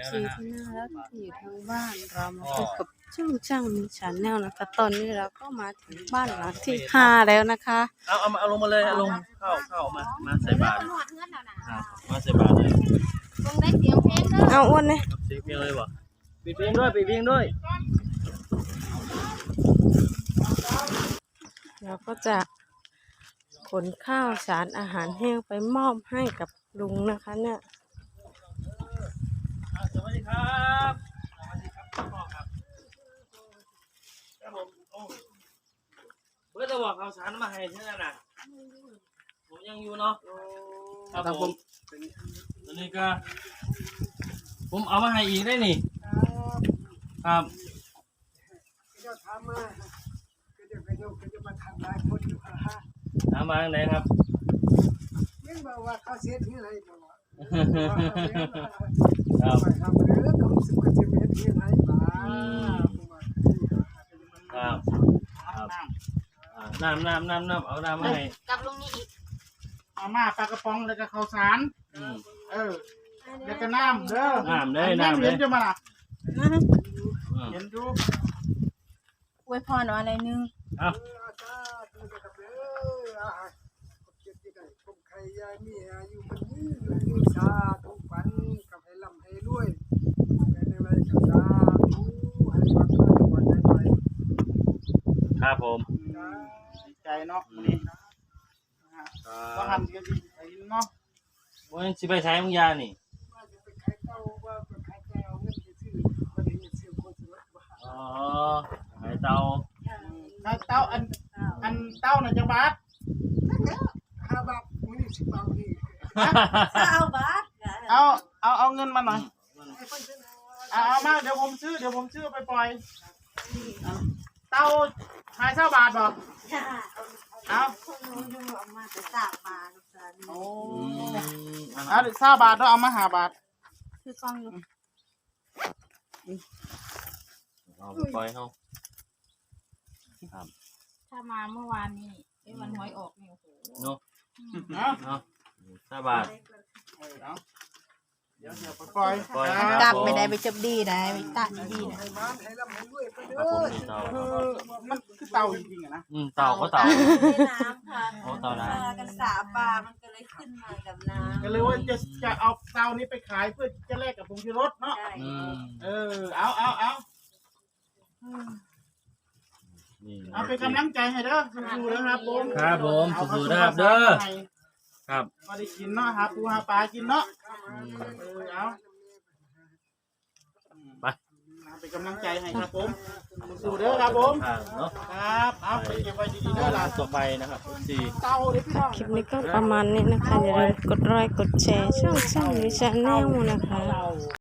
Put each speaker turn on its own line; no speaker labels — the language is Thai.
ซีที่น่ารักที่อยู่ทางบ้านเรามาพบกับช่างมีชาแนลนะคะตอนนี้เราก็มาถึงบ้านหลังที่5แล้วนะคะ
เอาลงมาเลยเอาลงเข้ามาใส่บาตรมาใส่บาตรเลย
เอาอ้วนเลย
เสียงเพลงเลยบ่ปิดเพลงด้วย
เราก็จะขนข้าวสารอาหารแห้งไปมอบให้กับลุงนะคะเนี่ย
สวัสดีครับพ่อครับผมเพื่อจะบอกข่าวสารมาให้ที่นั่นน่ะผมยังอยู่เนาะครับผมตอนนี้ก็ผมเอามาให้อีกได้นี่ครับถามมาไหนครับ
ยังบอกว่าเขาเสียที่ไหนบอกว่า
ครับ
ครับเรื่องเขาสึกว่าจะเป็นที่ไหนบ้าง
ครับน้ำเอาน้ำมาให้
กับลุงนี่อีก
เอามาปลากระป๋องแล้วก็ข้าวสารแล้วก็น้ำเด้อ
น้ำเลย
เห็นจะมาล่ะเห็นดู
อวยพรอะไรนึง
ใครยายมีอายุมันยืนชาทุกฝันกับให้ลำให้รวยในอะไรกับชาทุให้วัดให้วัดให้ไป
ครับผม
ดีใจเนาะนี่ก็หันกันดีใจเนาะ
วันสิไปใช้มึงยานี่
ว่าจะไปขายเต้าว่าไปขายเต้าเงินจะซื้อวันนี้ซื้อคนสวย
อ๋อขายเต้า
อันเต้าน่ะจะบาท5 บาทมื้อนี้10 บาทนี่
9 บาท
เอาเงินมาหน่อยเอามาเดี๋ยวผมซื้อไปปล่อยเต้าขาย20 บาทบ่เอา
มาแต่3 บาท
โอ้เอา20 บาทเอามา5 บาท
คือกองอยู่
เอาปล่อยเขาครับ
ถ้ามาเมื่อวานนี้วันหวยออกนี่โอ้โห
เนาะ20 บาท
เดี๋ยวไปปล่อย
กลับไปได้ไปจบดีได้ไปตัดดีนะ
มันคือเต่าจริงๆนะ
เต่าก็เต่า
น้ำค่ะ
เต่าน้
ำกัน3 บาทมันก็เลยขึ้นมากับน้ำ
ก็เลยว่าจะเอาเต่านี้ไปขายเพื่อจะแลกกับผงชูรสเนาะเอาเป็นกำลังใจให้เด้อสู้ๆนะครับผม
ครับผมสู้ๆนะครับเด้อครับ
มาได้กินเนาะหาปูหาปลากินเนาะเอา
ไป
เป็นกำลังใจให้ครับผมสู้ๆเด้อครับผมครับเอาไปเก็บไว้ดีๆเด้อล่ะ
ต่อไปนะครับ
เต่าเด้อพี่น้อง
คลิปนี้ก็ประมาณนี้นะคะอย่าลืมกดไลค์กดแชร์ช่องมีชาแนลนะคะ